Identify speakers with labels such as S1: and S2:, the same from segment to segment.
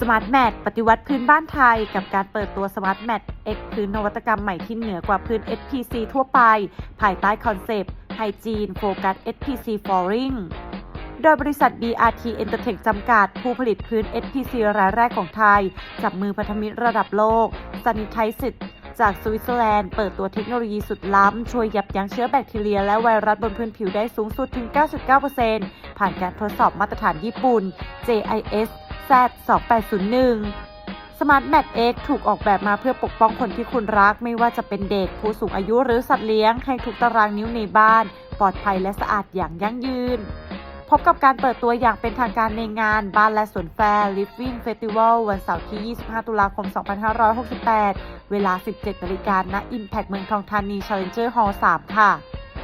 S1: Smart Mat ปฏิวัติพื้นบ้านไทยกับการเปิดตัว Smart Mat X พื้นนวัตกรรมใหม่ที่เหนือกว่าพื้น SPC ทั่วไปภายใต้คอนเซปต์ Hygiene Focus SPC Flooring โดยบริษัท BRT Entertech จำกัดผู้ผลิตพื้น SPC รายแรกของไทยจับมือพันธมิตรระดับโลก Sanitize จากสวิตเซอร์แลนด์เปิดตัวเทคโนโลยีสุดล้ำช่วยยับยั้งเชื้อแบคทีเรียและไวรัสบนพื้นผิวได้สูงสุดถึง 99% ผ่านการทดสอบมาตรฐานญี่ปุ่น JIS Z2801 Smart Mat X ถูกออกแบบมาเพื่อปกป้องคนที่คุณรักไม่ว่าจะเป็นเด็กผู้สูงอายุหรือสัตว์เลี้ยงให้ทุกตารางนิ้วในบ้านปลอดภัยและสะอาดอย่างยั่งยืนพบกับการเปิดตัวอย่างเป็นทางการในงานบ้านและสวนแฟร์ Living Festival วันเสาร์ที่ 25 ตุลาคม 2568 เวลา 17 นาฬิกาณ Impact เมืองทองธานี Challenger Hall 3 ค่ะ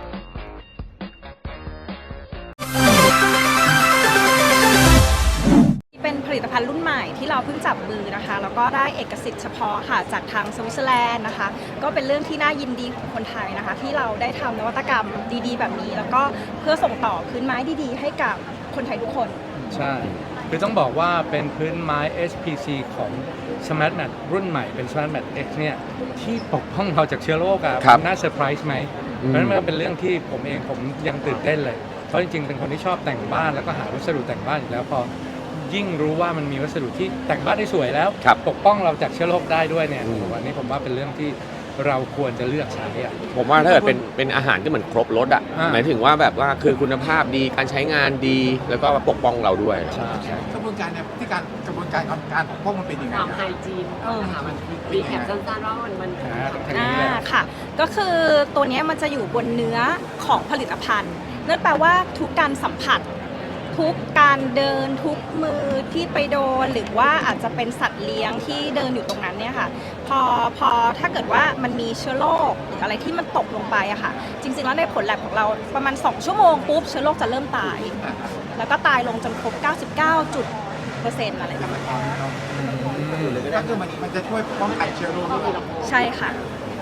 S2: เป็นผลิตภัณฑ์รุ่นใหม่ที่เราเพิ่งจับมือนะคะแล้วก็ได้เอกสิทธิ์เฉพาะค่ะจากทางสวิตเซอร์แลนด์นะคะก็เป็นเรื่องที่น่ายินดีของคนไทยนะคะที่เราได้ทำนวัตกรรมดีๆแบบนี้แล้วก็เพื่อส่งต่อพื้นไม้ดีๆให้กับคนไทยทุกคน
S3: ใช่คือต้องบอกว่าเป็นพื้นไม้ SPC ของ Smart Mat รุ่นใหม่เป็น Smart Mat X เนี่ยที่ปกป้องเราจากเชื้อโรคอะน่าเซอร์ไพรส์ไหมเพราะฉะนั้นมันเป็นเรื่องที่ผมเองผมยังตื่นเต้นเลยเพราะจริงๆเป็นคนที่ชอบแต่งบ้านแล้วก็หาวัสดุแต่งบ้านอยู่แล้วพอยิ่งรู้ว่ามันมีวัสดุที่แต่งบ้านได้สวยแล้วปกป้องเราจากเชื้อโรคได้ด้วยเนี่ยวันนี้ผมว่าเป็นเรื่องที่เราควรจะเลือกใช้อ่ะ
S4: ผมว่าถ้าเกิดเป็นอาหารก็เหมือนครบรสอ่ะหมายถึงว่าแบบว่าคือคุณภาพดีการใช้งานดีแล้วก็ปกป้องเราด้วย
S5: กระบวนการเนี่ยที่กระบวนการปกป้องมันเป็นยังไง
S6: ความไฮจีนค่ะมันรีแคปสั้นๆว่ามัน
S2: ค่ะก็คือตัวนี้มันจะอยู่บนเนื้อของผลิตภัณฑ์นั่นแปลว่าทุกการสัมผัสทุกการเดินทุกมือที่ไปโดนหรือว่าอาจจะเป็นสัตว์เลี้ยงที่เดินอยู่ตรงนั้นเนี่ยค่ะพอถ้าเกิดว่ามันมีเชื้อโรคหรืออะไรที่มันตกลงไปอะค่ะจริงๆแล้วในผลแลบของเราประมาณ2ชั่วโมงปุ๊บเชื้อโรคจะเริ่มตายแล้วก็ตายลงจนครบ 99% อะไรประมาณนี้
S5: ก็คือมันจะช่วยป้องกันเชื้อโรค
S2: ใช่ค่ะ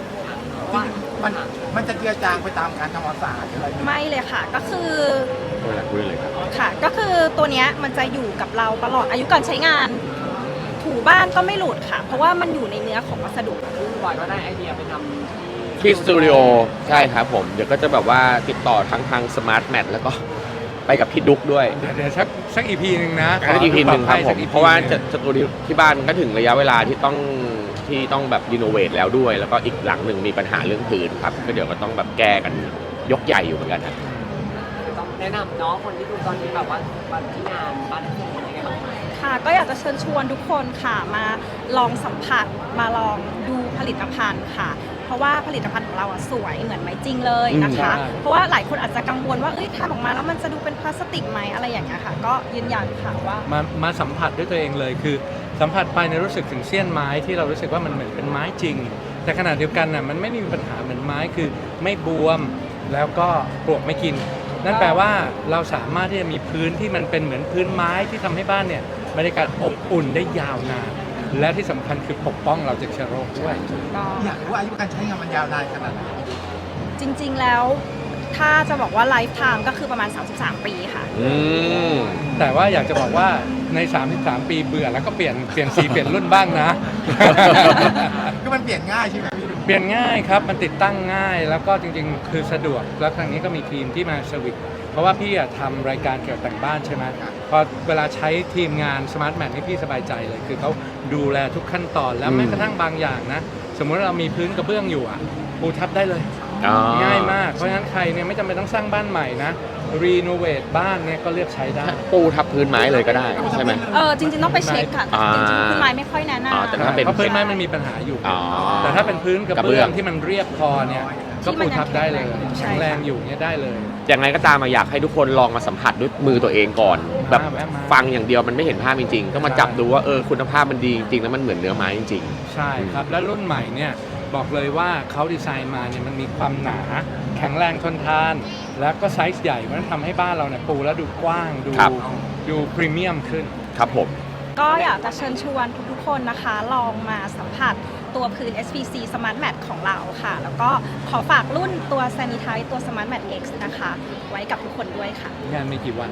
S5: มันจะเจือจางไปตามการทำความสะอาดอะไร
S2: ไม่เลยค่ะก็คือค่ะก็คือตัวนี้มันจะอยู่กับเราตลอดอายุการใช้งานถูบ้านก็ไม่หลุดค่ะเพราะว่ามันอยู่ในเนื้อของวัสดุ
S6: บอยก็ได้ไอเดียไปทำ
S4: ที่สตูดิโอใช่ครับผมเดี๋ยวก็จะแบบว่าติดต่อทางสมาร์ทแมทแล้วก็ไปกับพี่ดุ๊กด้วย
S3: เดี๋ยวสักอีพีหนึ่งนะ
S4: สักอีพีหนึ่งครับผมเพราะว่าสตูดิโอที่บ้านก็ถึงระยะเวลาที่ต้องแบบรีโนเวทแล้วด้วยแล้วก็อีกหลังหนึ่งมีปัญหาเรื่องพื้นครับก็เดี๋ยวก็ต้องแบบแก้กันยกใหญ่อยู่เหมือนกันครับ
S6: ต้องแนะนำเนาะคนที่ดูตอนนี้แบบว่าที่งานบ้านที่เป็นยังไงบ้าง
S2: ค่ะก็อยากจะเชิญชวนทุกคนค่ะมาลองสัมผัสมาลองดูผลิตภัณฑ์ค่ะเพราะว่าผลิตภัณฑ์ของเราสวยเหมือนไม้จริงเลยนะคะเพราะว่าหลายคนอาจจะกังวลว่าทำออกมาแล้วมันจะดูเป็นพลาสติกไหมอะไรอย่างเงี้ยค่ะก็ยืนยันค่ะว่า
S3: มาสัมผัสด้วยตัวเองเลยคือสัมผัสไปในรู้สึกถึงเสี้ยนไม้ที่เรารู้สึกว่ามันเหมือนเป็นไม้จริงแต่ขณะเดียวกันน่ะมันไม่มีปัญหาเหมือนไม้คือไม่บวมแล้วก็ปลวกไม่กินนั่นแปลว่าเราสามารถที่จะมีพื้นที่มันเป็นเหมือนพื้นไม้ที่ทำให้บ้านเนี่ยบรรยากาศอบอุ่นได้ยาวนานและที่สำคัญคือปกป้องเราจากเชื้อโรคด้วย
S5: อยากรู้ว่าอายุการใช้งานมันยาวนานขนาดไหน
S2: จริงๆแล้วถ้าจะบอกว่าไลฟ์ไทม์ก็คือประมาณ33 ปีค่ะ
S3: แต่ว่าอยากจะบอกว่าใน33 ปีเบื่อแล้วก็เปลี่ยนสีเปลี่ยนรุ่นบ้างนะ
S5: คือมันเปลี่ยนง่ายใช่ไหมพี่
S3: เปลี่ยนง่ายครับมันติดตั้งง่ายแล้วก็จริงๆคือสะดวกแล้วครั้งนี้ก็มีทีมที่มาเซอร์วิสเพราะว่าพี่ทำรายการเกี่ยวกับแต่งบ้านใช่ไหมพอเวลาใช้ทีมงาน Smart Mat นี่พี่สบายใจเลยคือเขาดูแลทุกขั้นตอนแล้วแม้กระทั่งบางอย่างนะสมมติเรามีพื้นกระเบื้องอยู่ปูทับได้เลยง่ายมากเพราะฉะนั้นใครเนี่ยไม่จำเป็นต้องสร้างบ้านใหม่นะรีโนเวทบ้านเนี่ยก็เลือกใช้ได้
S4: ปูทับพื้นไม้เลยก็ได้ใช่ไหม
S2: จริงๆต้องไปเช็คค่ะจริงๆพื้นไม้ไม่ค่อยแนะนำ
S3: เพราะพื้นไม้มันมีปัญหาอยู่แต่ถ้าเป็นพื้นกระเบื้องที่มันเรียบพอเนี่ยก็ปูทับได้เลยแข็งแรงอยู่เนี่ยได้เลย
S4: ยังไงก็ตามอยากให้ทุกคนลองมาสัมผัสด้วยมือตัวเองก่อนแบบฟังอย่างเดียวมันไม่เห็นภาพจริงๆก็มาจับดูว่าคุณภาพมันดีจริงๆแล้วมันเหมือนเนื้อไม้จริง
S3: ๆใช่ครับและรุ่นใหม่เนี่ยบอกเลยว่าเขาดีไซน์มาเนี่ยมันมีความหนาแข็งแรงทนทานแล้วก็ไซส์ใหญ่มันทำให้บ้านเราเนี่ยปูแล้วดูกว้างดูพรีเมียมขึ้น
S4: ครับผม
S2: ก็อยากจะเชิญชวนทุกๆคนนะคะลองมาสัมผัสตัวพื้น SPC Smart Mat ของเราค่ะแล้วก็ขอฝากรุ่นตัว Sanitize ตัว Smart Mat X นะคะไว้กับทุกคนด้วยค่ะ
S3: งานมีกี่วัน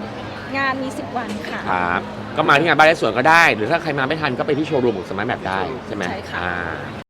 S2: งานมี 10 วันค่ะ
S4: ครับก็มาที่งานบ้านและสวนก็ได้ หรือถ้าใครมาไม่ทันก็ไปที่โชว์รูมของสมาร์ทแมทได้ใช่ไหม
S2: ใช่ค่ะ
S4: อ่า